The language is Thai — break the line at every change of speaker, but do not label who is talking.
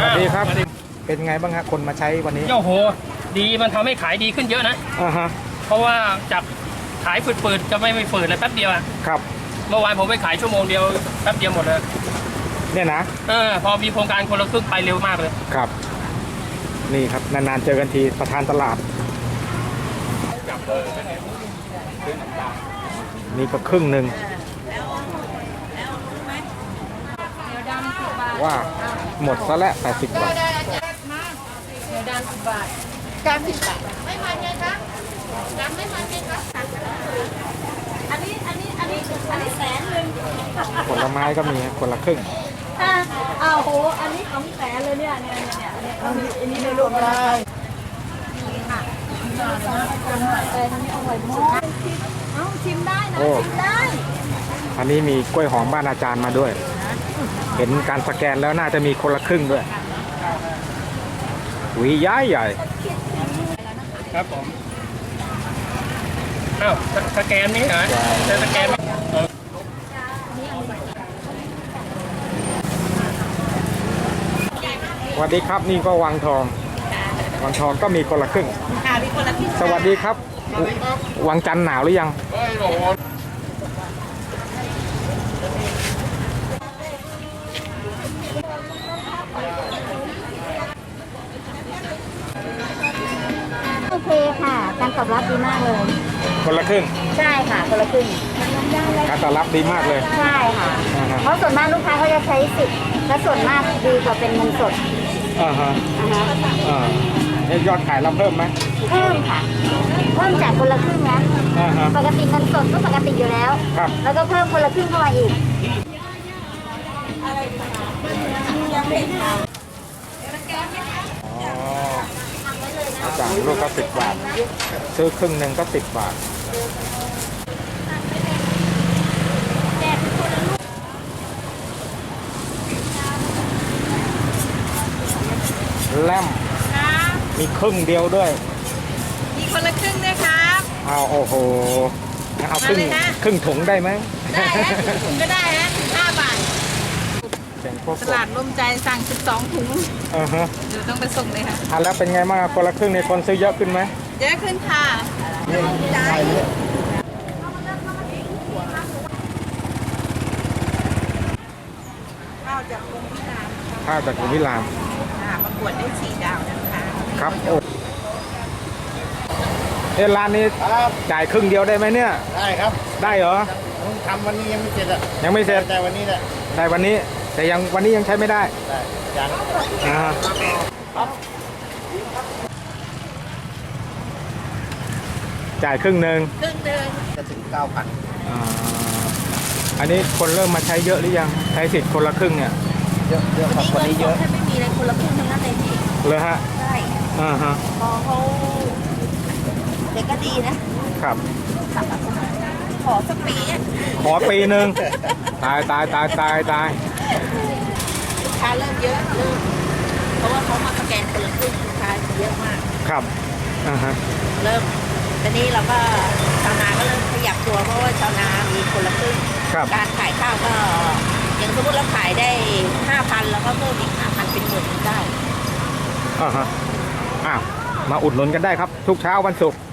วัสดีครับเป็นไงบ้างฮะคนมาใช้วันนี้
โอ้โหดีมันทำให้ขายดีขึ้นเยอะนะเพราะว่าจากขายฝืดๆจะไม่ฝืดเลยแป๊บเดียว
ครับ
เมื่อวานผมไปขายชั่วโมงเดียวแป๊บเดียวหมดเลย
เนี่ยนะ
พอมีโครงการคนละครึ่งไปเร็วมากเลย
ครับนี่ครับนานๆเจอกันทีประธานตลาดนี่ก็ครึ่งหนึ่งว่าหมดซะแล้ว80 บาท
เดี๋ยวดำ10 บาท90 บาทไม่พันไงคะดำไม่พันไงคะอันนี้แสนหนึ่ง
ผลไม้ก็มีคนละครึ่ง
อ้าวโหอันนี้ของแสนเลยเนี่ยอันนี้ไม่รวมอะไรแต่อันนี้อร่อยมากชิมได้นะชิมได้
อันนี้มีกล้วยหอมบ้านอาจารย์มาด้วยเห็นการสแกนแล้วน่าจะมีคนละครึ่งด้วยหวีย้ายใหญ่
ครับผมอ้าวสแกนนี่เหรอจะสแกน
สวัสดีครับนี่ก็วังทองก็มีคนละครึ่งสวัสดีครับวังจันทร์หนาวหรือยัง
โอเคค่ะการตอบรับดีมากเลย
คนละครึ่ง
ใช่ค่ะคนละครึ่ง
การตอบรับดีมากเลย
ใช่ค่ะเพราะส่วนมากลูกค้าเขาจะใช้สิทธิ์และส่วนมากดีกว่าเป็นเงินสด
ยอดขายเราเพิ่มไหม
เพิ่มค่ะเพิ่มจากคนละครึ่งนะปกติเงินสดก็ปกติอยู่แล้วแล้วก็เพิ่มคนละครึ่งเข้ามาอีก
จากลูกก็10 บาทซื้อครึ่งหนึ่งก็10 บาทแลมมีครึ่งเดียวด้วย
มีคนละครึ่งด้วยครับ
เอาโอ้โหเอาครึ่งถุงได้ไหม
ได้ถุงก็ได้นะ5 บาทตลาดร่มใจสั่ง12 ถุงเดี๋ยวต้องไปส่งเลยค่ะ
แล้วเป็นไงบ้างคนละครึ่งในคนซื้อเยอะขึ้นไหม
เยอะขึ้นค่ะข้าวจากกรมพิรามประกวดได้4 ดาวนะคะ
ครับโอ้ร้านนี้จ่ายครึ่งเดียวได้ไหมเนี่ย
ได้ครับ
ได้เหรอ
ทำวันนี้ยังไม่เสร็จ
ยังไม่เสร็จ
แต่วันนี้แหละ
ได้วันนี้แต่ยังวันนี้ยังใช้ไม่ได้
ยัง
จ่ายครึ่งหนึ่ง
จะถึง 9,000
อันนี้คนเริ่มมาใช้เยอะหรือยังใช้สิทธิ์คนละครึ่งเนี่ย
เยอะครับ
วันนี้เยอะไม่มีเลยคนละครึ่งทั้งนั้นเลยพี่
เลยฮะ
ใช่พอเขาเด็กก็ดีนะครับขอสักปี
ขอปีหนึ่งตาย
ลูกค้าเริ่มเยอะเพราะว่าเขามาสแกนคนละครึ่งลูกค้าเยอะมาก
ครับ
เริ่มตอนนี้เราก็ชาวนาก็เริ่มขยับตัวเพราะว่าชาวนามีคนละครึ่งการขายข้าวก็อย่างสมมติเราขายได้ 5,000 แล้วก็เพิ่มอีก 5,000 เป็น10,000ได้
มาอุดหนุนกันได้ครับทุกเช้าวันศุกร์